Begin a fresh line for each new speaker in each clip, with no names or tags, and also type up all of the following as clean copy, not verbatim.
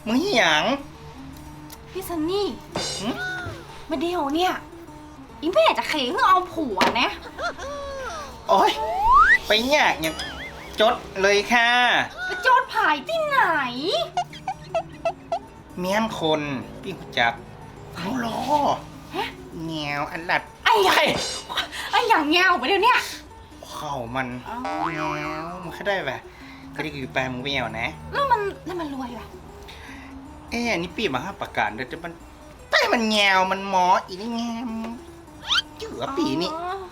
มึงหยัง
พี่ซันนี่มาเดียวเนี่ยอีแม่จะเขงเอาผัวนะ
โอ้ยไปยากอย่างจดเลยค่ะ
ไปโจทย์ผายที่ไหน
เมียนคนพี่หูจักเขารอแงวอันดัด
ไอ้อย่างเงาไปเดี๋ยวนี้
เข้ามันแงวมันแค่ได้แบบก็ได้อยู่แปลมึงไปแงวนะ
แล้วมันรวยแบบ
อันนี้ปีมาห้าประกาศเดี๋ยวมันแต่มันแงวมันหมออีนี่แงมเจือปีนี่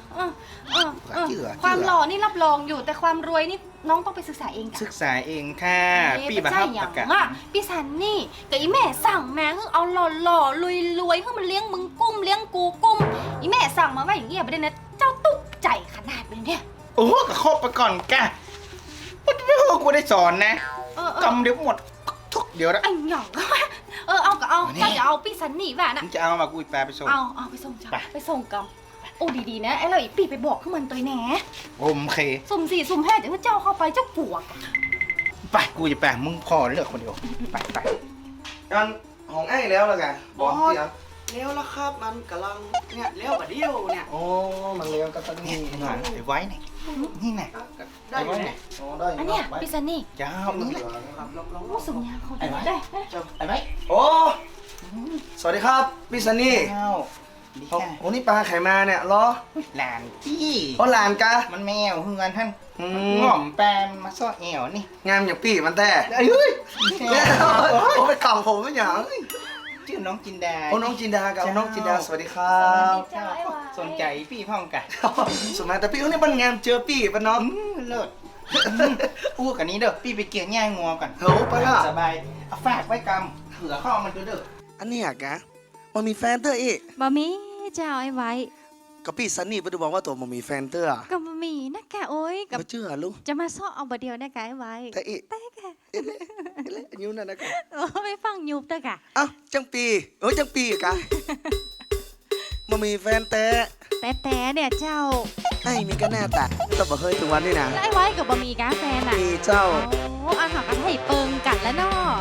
ความหล่อนี่รับรองอยู่แต่ความรวยนี่น้องต้องไปศึกษาเอง
ศึกษาเองค่ะปีมาห้าประกาศ
พี่ซันนี่กับอีแม่สั่งมาคือเอาหล่อรวยคือมันเลี้ยงมึงกุ้มเลี้ยงกูกุ้มอีแม่สั่งมาว่าอย่างเงี้ยไม่ได้นะเจ้าตุ๊กใจขนาดนี้เนี่ย
โอ้ก็ครบไปก่อนกะไม่พอกูได้สอนนะกำเดี๋ยวหมดทุกเดี๋ยวนะ
ไอ้หยองเอาก็เอาถ้าจะเอาพี่ซันนี่แหวนนะ
จะเอามากูแปลไปส่ง
เอาไปส่งจ้ะไปส่งกำโอ้ดีๆนะไอ้เราอีปีไปบอกขึ้นมันตัวแหน
โอเค
สุ่ม4สุ่ม5เดี๋ยวเจ้าเข้าไปเจ้าปวก
ไปกูจะแปลมึงพอเลือกคนเดียวไป
กันของไอ้แล้วล่ะกัน
บอก
เดี๋ยวแล้วละครับมันกำลังเนี่ยเลี้ยวกว่าเดียวเนี่ย
โอ้มันเลี้ยวก็ต้องนี่หน่อยไว้ไหนนี่ไหน
ได้ไหม
อันเนี้ยพี่ซันนี่
เจ้านี่แหละ
สุ่มยาเขาได้
ไอ้ไหม
โอ้สวัสดีครับพี่ซันนี่โอ้นี่ปลาไข่มาเนี่ยรอ
หลานจี้
หลานกะ
มันแมวเฮือนท่านง่อมแปมมาซ่อแอวนี่
งามอย่างปีมันแต่เฮ้ยโอ้ไปกล่องผมไม่หยัง
ชื่อน้องจินดา
น้องจินดากับน้องจินดาสวัสดีครับ
สนใจพี่พ่องกัน
สมัยแต่พี่เขาเนี่ยมันงามเจอพี่ปะน้อง
เลิศอู้กันนี้เด้อพี่ไปเกี่ยง่ายงัวกัน
โหไปละ
สบายเอาฝากไว้กำเผื่อข้อมันเด้อ
อันนี้อะกะมันมีแฟนเตอร์อีก
บ่มีเจ้าไอ้ไว้
ก็พี่ซันนี่ไปดูบอกว่าตัวมันมีแฟนเตอร์
ก็บ่มีนะแกโอ้ย
กับเชื่อลูก
จะมาซ้อเอาบ่เดียวนะแกไอ้ไว้
แต่อี
แต่แก
ยูนั่นนะกะ
ไม่ฟังยุบเด้อกะ
อ้าวจังปีจังปีกะมันมีแฟนแต่
เนี่ยเจ้า
ไอ้มีก็แน่แต่ต้องบอกเฮ้ยถึงวันนี้นะ
ไอ้ไว้กับบ่มีกะแฟนอ่ะ
มีเจ้า
โอ้อาหารกันให้เปิงกันแล้วเนาะ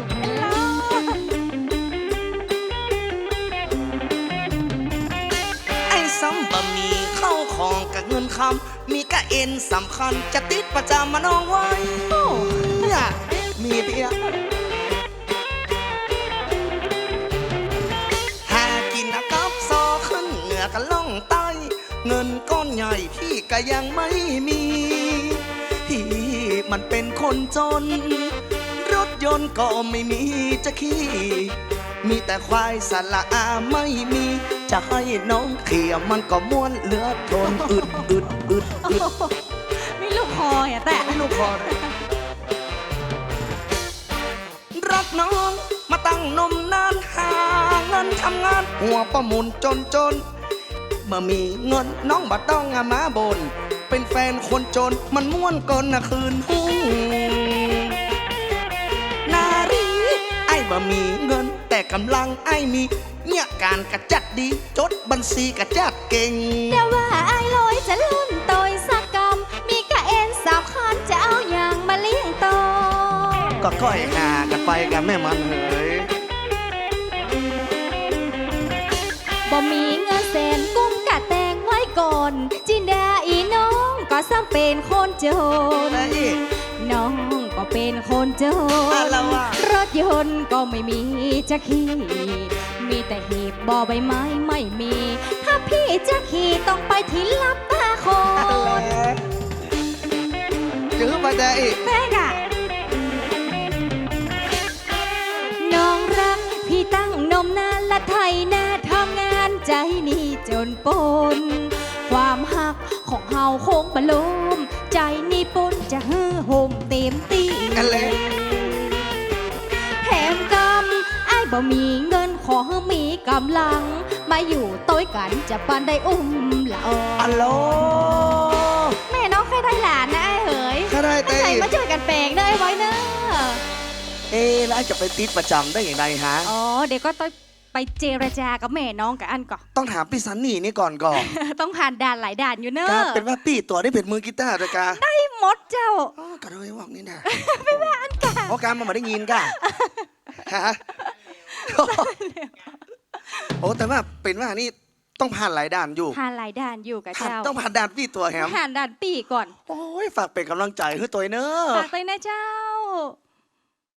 ซ้ำบะหมี่เข้าของกับเงินคำมีกะเอ็นสำคัญจะติดประจำมาน้องไว้มีเพียหากินนะกับซอขึ้นเหนือกันล่องใต้เงินก้อนใหญ่พี่ก็ยังไม่มีพี่มันเป็นคนจนรถยนต์ก็ไม่มีจะขี่มีแต่ควายสละอาไม่มีจะให้น้องเขี่ยมันก็ม้วนเหลือทนอึด
ไม่ลูกคออ่ะแต่
ไม่ลูกคอเลยรักน้องมาตั้งนมนานหาเงินทำงานหัวประมุนจนเมื่อมีเงินน้องบ่ต้องมาบ่นเป็นแฟนคนจนมันม้วนก่อนนะคืนหุ้งนารีไอ้บ่มีเงินแต่กำลังไอ้มีเนี่ยการกระจัดดีจดบัญชีกระจัดเก่ง
เดี๋ยวว่าไอ้ลอยจะลุ่นโตยสักกำมีกะเอ็น3 คันจะเอาอย่างมาเลี้ยงโต
ก็ก้อยหากันไปกันแม่มันเฮ้ย
บ่มีเงินแสนกุ้มกะแตงไว้ก่อนจินดาอีน้องก็ซ้ำเป็นคนจนน้องก็เป็นคนจนรถยนต์ก็ไม่มีจะขี่มีแต่หีบบ่อใบไม้ไม่มีถ้าพี่จะขี่ต้องไปที่ลับตาคน
จื้อไปแต่อีก
แม่กะน้องรักพี่ตั้งนมนานละไทยนาทำงานใจนี่จนปนความหักของเฮาคงบลมใจนี่ปนจะฮือห่มเต็มตีแถมกำไอ้บ่มีเงินขอให้มีกำลังมาอยู่ต้อยกันจะปันได้ละ
อัลโหล
แม่น้องเคยได้หลานนะไอ้เหย
ได้เต้
มาช่วยกันแปลงเด้อไว้เนอะ
แล้วจะไปติดประจำได้อย่างไรฮะ
เดี๋ยวก็ต้องไปเจรจากับแม่น้องกับอันก่อน
ต้องถามพี่ซันนี่นี่ก่อน
ต้องผ่านด่านหลายด่านอยู่เนอะ
เป็นว่าพี่ตัวได้เป็นมือกีตาร์ด้วยกะ
ได้หมดเจ้า
ก็เลยว่านี่นะ
ไม่ว่าอันกะ
การมาได้ยินกะฮะโอ้แต่ว่าเป็นว่านี่ต้องผ่านหลายด่านอยู่
ผ่านหลายด่านอยู่กับเจ้า
ต้องผ่านด่านพี่ตัวแฮม
ผ่านด่านปีก่อน
โอ้ยฝากเป็นกำลังใจให้ตัวเนอะ
ฝากเลยนะเจ้า